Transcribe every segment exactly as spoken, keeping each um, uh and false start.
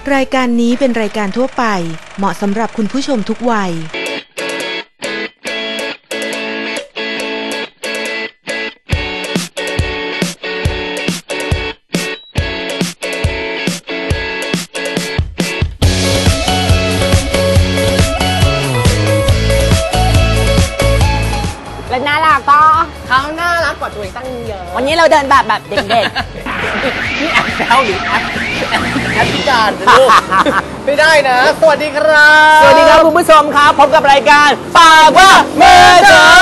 รายการนี้เป็นรายการทั่วไปเหมาะสำหรับคุณผู้ชมทุกวัยและน่ารักก็เขาน่ารักกว่าตัวเองตั้งเยอะวันนี้เราเดินแบบแบบเด็กๆนี่แอบแซวหรือแอบแอบพิการลูกไม่ได้นะสวัสดีครับสวัสดีครับคุณผู้ชมครับพบกับรายการปากว่าเมื่อเช้า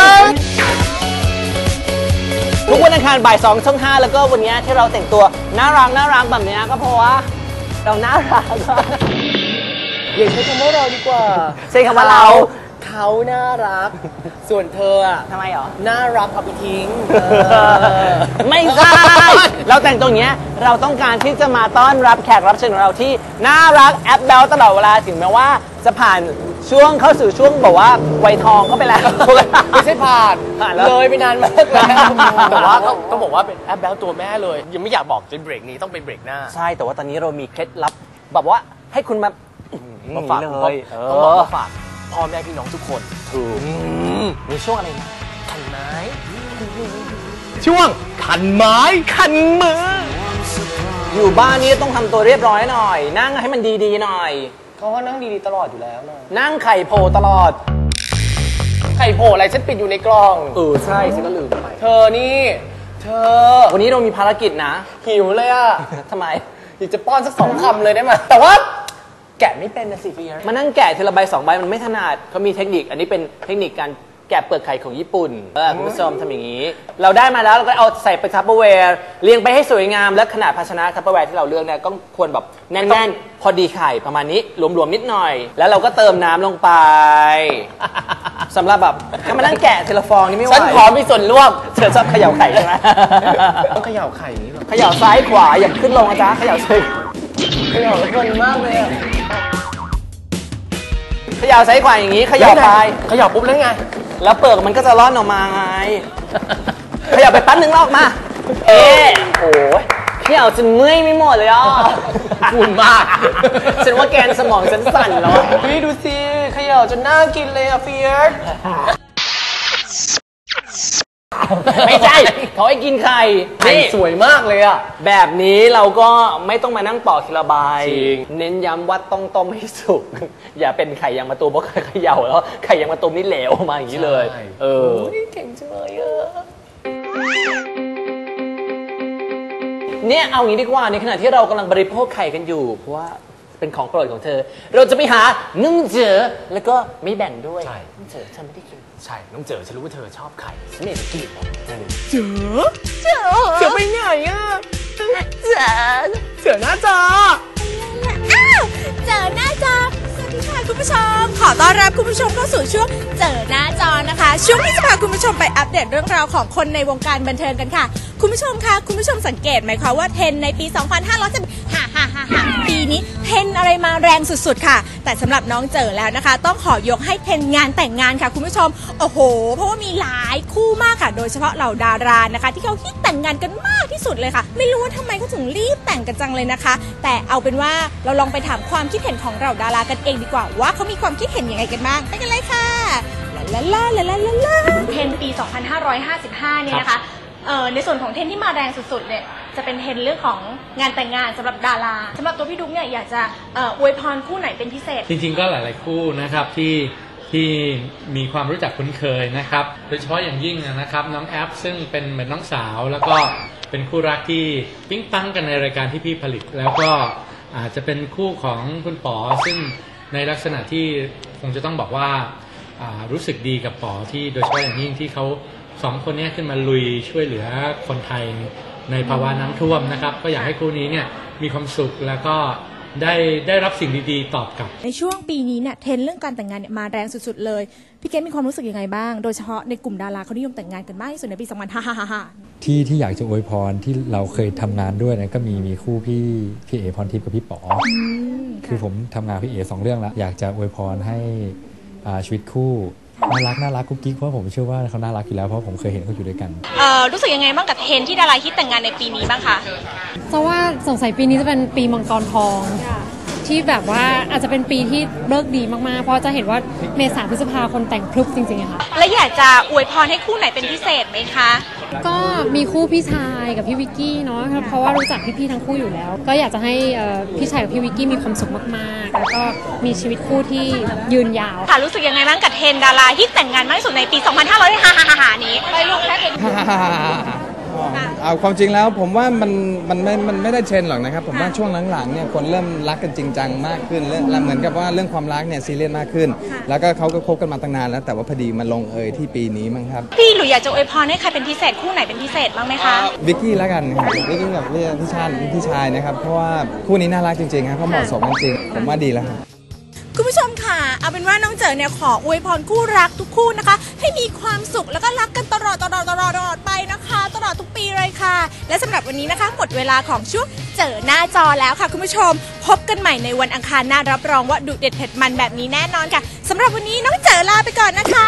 ทุกวันอังคารบ่ายสองช่องห้าแล้วก็วันนี้ที่เราแต่งตัวน่ารักน่ารักแบบนี้ก็เพราะว่าเราน่ารักอย่าใช้คำว่าเราดีกว่าใช้คำว่าเราเขาน่ารักส่วนเธออะทำไมหรอน่ารักเอาไปทิ้งไม่ใช่เราแต่งตรงนี้เราต้องการที่จะมาต้อนรับแขกรับเชิญของเราที่น่ารักแอปเบลตลอดเวลาถึงแม้ว่าจะผ่านช่วงเข้าสู่ช่วงบอกว่าวัยทองเข้าไปแล้วไม่ใช่ผ่านเลยไปนานมากแล้วแต่ว่าต้องบอกว่าเป็นแอปเบลตัวแม่เลยยังไม่อยากบอกจนเบรกนี้ต้องเป็นเบรกหน้าใช่แต่ว่าตอนนี้เรามีเคล็ดลับแบบว่าให้คุณมามาฝากเลยต้องบอกมาฝากพ่อแม่พี่น้องทุกคนถูกมีช่วงอะไรนะขันไม้ช่วงขันไม้ขันมืออยู่บ้านนี้ต้องทำตัวเรียบร้อยหน่อยนั่งให้มันดีๆหน่อยเขาว่านั่งดีๆตลอดอยู่แล้วนะนั่งไข่โผล่ตลอดไข่โผล่อะไรฉันปิดอยู่ในกล่องเออใช่ฉันก็ลืมไปเธอนี่เธอวันนี้เรามีภารกิจนะหิวเลยอะทำไมอยากจะป้อนสักสองคำเลยได้ไหมแต่ว่าแกะไม่เป็นนะสิพี่มานั่งแกะทีละใบสองใบมันไม่ถนัดเขามีเทคนิคอันนี้เป็นเทคนิคการแกะเปลือกไข่ของญี่ปุ่นเออคุณผู้ชมทำอย่างนี้เราได้มาแล้วเราก็เอาใส่ไปทัพเปอร์แวร์เรียงไปให้สวยงามและขนาดภาชนะทัพเปอร์แวร์ที่เราเลือกเนี่ยก็ควรแบบแน่นๆพอดีไข่ประมาณนี้หลวมๆนิดหน่อยแล้วเราก็เติมน้ำลงไปสำหรับแบบถ้ามานั่งแกะทีละฟองนี่ไม่ไหวฉันขอมีส่วนร่วมเธอชอบเขย่าไข่ใช่ไหมต้องเขย่าไข่นี้หรอเขย่าซ้ายขวาอย่าขึ้นลงนะจ๊ะเขย่าซ้ายเขย่าเพลินมากเลยอะเขย่าซ้ายขวาอย่างนี้เขย่าไปเขย่าปุ๊บแล้วไงแล้วเปลือกมันก็จะร่อนออกมาไงเขย่าไปแป๊บนึงลอกมาเอ๊ะโอ้ยเขย่าจนเมื่อยไม่หมดเลยอ่ะคุณมากฉันว่าแกนสมองฉันสั่นแล้วพี่ดูสิเขย่าจนน่ากินเลยอ่ะเฟียสไม่ใช่เขาให้กินไข่นี่สวยมากเลยอ่ะแบบนี้เราก็ไม่ต้องมานั่งปอกทีละใบเน้นย้ำว่าต้องต้มให้สุกอย่าเป็นไข่ยางมะตูมเพราะไข่เขย่าแล้วไข่ยางมะตูมนี่เหลวมาอย่างนี้เลยเออเก่งจังเลยอ่ะเนี่ยเอางี้ดีกว่าในขณะที่เรากำลังบริโภคไข่กันอยู่เพราะว่าเป็นของโปรดของเธอเราจะไปหานึ่งเจอแล้วก็ไม่แบ่งด้วยนึ่งเจอฉันไม่ได้กินใช่น้องเจอฉันรู้ว่าเธอชอบไข่ฉันไม่ได้กินเจอเจอเจอไปไหนอ่ะเจอเจอหน้าจออ้าวเจอหน้าจอสวัสดีค่ะคุณผู้ชมขอต้อนรับคุณผู้ชมเข้าสู่ช่วงเจอหน้าจอนะคะช่วงที่จะพาคุณผู้ชมไปอัปเดตเรื่องราวของคนในวงการบันเทิงกันค่ะคุณผู้ชมคะคุณผู้ชมสังเกตไหมคะว่าเทรนในปีสองพันห้าร้อยสิบห้า ฮ่าฮ่าฮ่าปีนี้เทรนอะไรมาแรงสุดๆค่ะแต่สำหรับน้องเจอแล้วนะคะต้องขอยกให้เทรนงานแต่งงานค่ะคุณผู้ชมโอ้โหเพราะว่ามีหลายคู่มากค่ะโดยเฉพาะเหล่าดารานะคะที่เขาฮิตแต่งงานกันมากที่สุดเลยค่ะไม่รู้ว่าทำไมเขาถึงรีบแต่งกันจังเลยนะคะแต่เอาเป็นว่าเราลองไปถามความคิดเห็นของเหล่าดารากันเองดีกว่าว่าเขามีความคิดเห็นยังไงกันบ้างไปกันเลยค่ะลาลาลาลาลาลาเทรนปีสองพันห้าร้อยห้าสิบห้าเนี่ยนะคะในส่วนของเทรนที่มาแรงสุดๆเนี่ยจะเป็นเทรนเรื่องของงานแต่งงานสำหรับดาราสำหรับตัวพี่ดุ๊กเนี่ยอยากจะอวยพรคู่ไหนเป็นพิเศษจริงๆก็หลายๆคู่นะครับที่ที่มีความรู้จักคุ้นเคยนะครับโดยเฉพาะอย่างยิ่งนะครับน้องแอปซึ่งเป็นเหมือนน้องสาวแล้วก็เป็นคู่รักที่ปิ๊งปังกันในรายการที่พี่ผลิตแล้วก็อาจจะเป็นคู่ของคุณป๋อซึ่งในลักษณะที่คงจะต้องบอกว่ารู้สึกดีกับป๋อที่โดยเฉพาะอย่างยิ่งที่เขาสองคนนี้ขึ้นมาลุยช่วยเหลือคนไทยในภาวะน้ำท่วมนะครับก็อยากให้คู่นี้เนี่ยมีความสุขแล้วก็ได้ได้รับสิ่งดีๆตอบกลับในช่วงปีนี้เนี่ยเทรนเรื่องการแต่งงานเนี่ยมาแรงสุดๆเลยพี่เกศมีความรู้สึกยังไงบ้างโดยเฉพาะในกลุ่มดาราเขานิยมแต่งงานกันมากที่สุดในปีสองพันห้าร้อยห้าสิบห้าที่ที่อยากจะอวยพรที่เราเคยทำงานด้วยนะก็มีมีคู่พี่พี่เอพรทิพย์กับพี่ป๋อคือผมทำงานพี่เอสองเรื่องแล้วอยากจะอวยพรให้ชีวิตคู่น่ารักน่ารักกุ๊กกิ๊กเพราะผมเชื่อว่าเขาน่ารักอยู่แล้วเพราะผมเคยเห็นเขาอยู่ด้วยกันเอ่อรู้สึกยังไงบ้างกับเทรนที่ดาราฮิตแต่งงานในปีนี้บ้างคะจะว่าสงสัยปีนี้จะเป็นปีมังกรทองทที่แบบว่าอาจจะเป็นปีที่เลิกดีมากๆเพราะจะเห็นว่าเมษาพฤษภาคนแต่งพรึบจริงๆอะค่ะและอยากจะอวยพรให้คู่ไหนเป็นพิเศษไหมคะก็มีคู่พี่ชายกับพี่วิกกี้เนาะเพราะว่ารู้จักพี่ๆทั้งคู่อยู่แล้วก็อยากจะให้พี่ชายกับพี่วิกกี้มีความสุขมากๆแล้วก็มีชีวิตคู่ที่ยืนยาวค่ะรู้สึกยังไงบ้างกับเทรนด์ดาราที่แต่งงานมากที่สุดในปี สองพันห้าร้อย ฮ่าๆๆนี้ไปลูกแค่เห็นเอาความจริงแล้วผมว่ามันมันไม่มันไม่ได้เทรนด์หรอกนะครับผมว่าช่วงหลังๆเนี่ยคนเริ่มรักกันจริงจังมากขึ้นเรื่องเหมือนกับว่าเรื่องความรักเนี่ยซีเรียสมากขึ้นแล้วก็เขาก็คบกันมาตั้งนานแล้วแต่ว่าพอดีมาลงเอยที่ปีนี้มั้งครับพี่หลุยอยากจะอวยพรให้ใครเป็นพิเศษคู่ไหนเป็นพิเศษบ้างไหมคะวิกกี้แล้วกันครับวิกกี้กับพี่ชาติพี่ชายนะครับเพราะว่าคู่นี้น่ารักจริงๆครับเขาเหมาะสมกันจริงผมว่าดีแล้วครับคุณผู้ชมค่ะเอาเป็นว่าน้องเจ๋อเนี่ยขออวยพรคู่รักทุกคู่นะคะให้มีความสุขแล้วก็รักกันตลอดตลอดตลอดตลอดไปนะคะตลอดทุกปีเลยค่ะและสำหรับวันนี้นะคะหมดเวลาของช่วงเจ๋อหน้าจอแล้วค่ะคุณผู้ชมพบกันใหม่ในวันอังคารหน้ารับรองว่าดุเด็ดเผ็ดมันแบบนี้แน่นอนค่ะสำหรับวันนี้น้องเจ๋อลาไปก่อนนะคะ